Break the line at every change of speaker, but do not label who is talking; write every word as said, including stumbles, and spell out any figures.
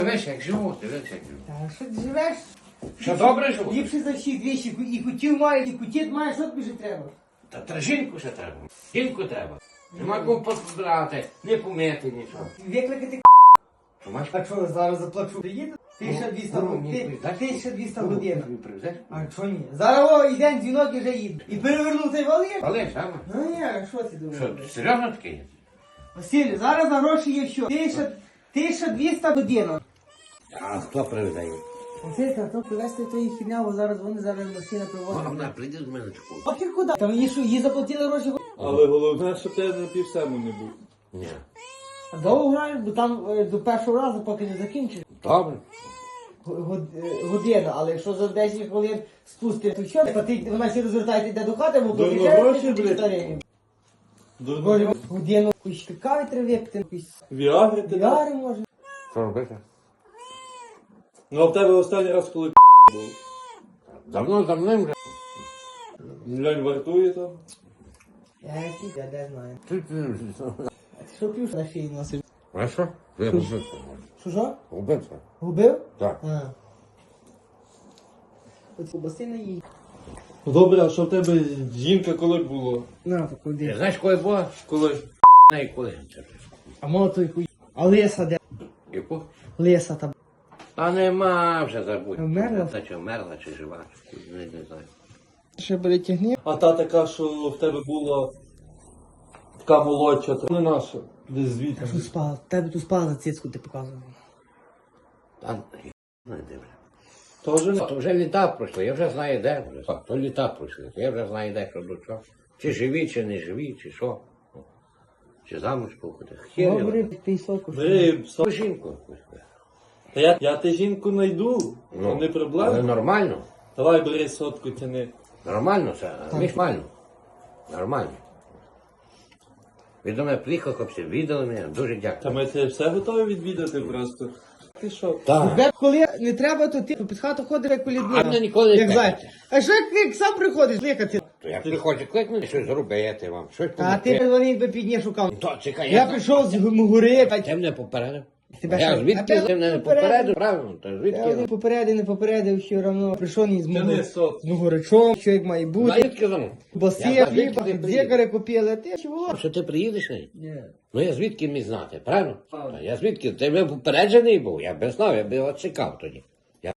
Дивись, як живу, дивись, як живу.
Та що ти живеш?
Що добре живу?
Ліпше за всіх двічі. І кутів має, і кутіт має, що тобі ще треба?
Та та жінку ще треба. Жінку треба. Нема кому позбирати, не помити нічого.
Викликати
Що маєш?
А що, зараз заплачу? Приїду? тисяча двісті годин. тисяча двісті годин.
Привезеш?
А що ні? Зараз о, йде дзвінок і вже їду. І перевернув той валиш.
Але саме.
Ну як, що ти думаєш?
Що, серйозно таке є?
Василю, зараз на гроші є що? Тисяча, тисяча двісті годин.
А хто привезе її?
Василь, та хто привезти тої хідня, бо зараз вони зараз машина привозить.
Вона прийде до мене таку.
Ох, і куди? Та мені що, їй заплатили гроші?
Але головне, щоб ти на півсему не був.
Ні.
А довго грають, бо там е, до першого разу, поки не закінчить.
Добре.
Год- е, Година, але якщо за десять хвилин спустити, то що? Та ти, вона ще розвертає, йде до хати, бо
Дурно
то
гроші, блядь. Дурно.
Боже, годину якусь каві треба випити, якусь
Віагри ти дав?
віари може.
Що робити?
Ну а в тебе останній раз, коли був?
Давно за мною вже.
Глянь, вартує там.
Я який, я де знаю.
Ти- ти-
А ти що п'єш на шиї носиш?
А що? Я губився.
Що що?
Губився.
Губив?
Так.
А. От кубаси не їй.
Добре, а що в тебе жінка коли було?
На, так
Ти
куди.
знаєш, коли було?
Коли?
Не коли.
А мало той хуй. А лиса де?
Яку?
Лиса там.
Та нема вже забудь.
Вмерла?
Та чи вмерла, чи жива, чи не, не знаю.
Ще перетягни.
А та така, що в тебе була така молодша, то не наша. Десь звідти.
Що спала? Тебе тут спала на цицьку, ти показував.
Та не дивлю.
Тоже не.
То вже літа пройшли, я вже знаю де. Вже. Так, то літа пройшли, то я вже знаю де, що до чого. Чи живі, чи не живі, чи що. Чи замуж походи. Хер
Добре,
його.
ти сотку.
Бери, пса.
Ту жінку якусь.
Та я, я ти жінку знайду.
Ну,
не
але
проблема.
нормально.
Давай бери сотку, тяни.
Нормально це, нормально. Нормально. Ви до мене приїхав, хлопці, віддали мене, дуже
Та
дякую.
ми тебе все готові відвідати просто. Ти що?
Так.
Тебе коли не треба, то ти під хату ходиш, як колідна.
А мене ніколи не
Як
кликати.
знаєш. А що як ти сам приходиш ликати?
То як ви хочете кликнути, щось зробити вам, щось
А ти
помогти.
вони би підні шукав.
То чекай,
Я прийшов з гори, та
Ти мене попередив?
Тебе
Я
що,
звідки
опять
ти мене не
попередив?
попередив? Правильно, то
я
звідки?
не попередив, не попередив, все одно прийшов ні з
Тяни
мого-
сотку.
з могоричом, що як має
Ну,
бути.
звідки за мною?
Боси,
Я
хліба,
звідки ти приїдеш?
дзекари купили, а ти чого?
Що ти приїдеш? Не?
Ні.
Ну я звідки міг знати, правильно?
Правильно.
Та Я звідки? Ти би попереджений був, я б знав, я б його чекав тоді.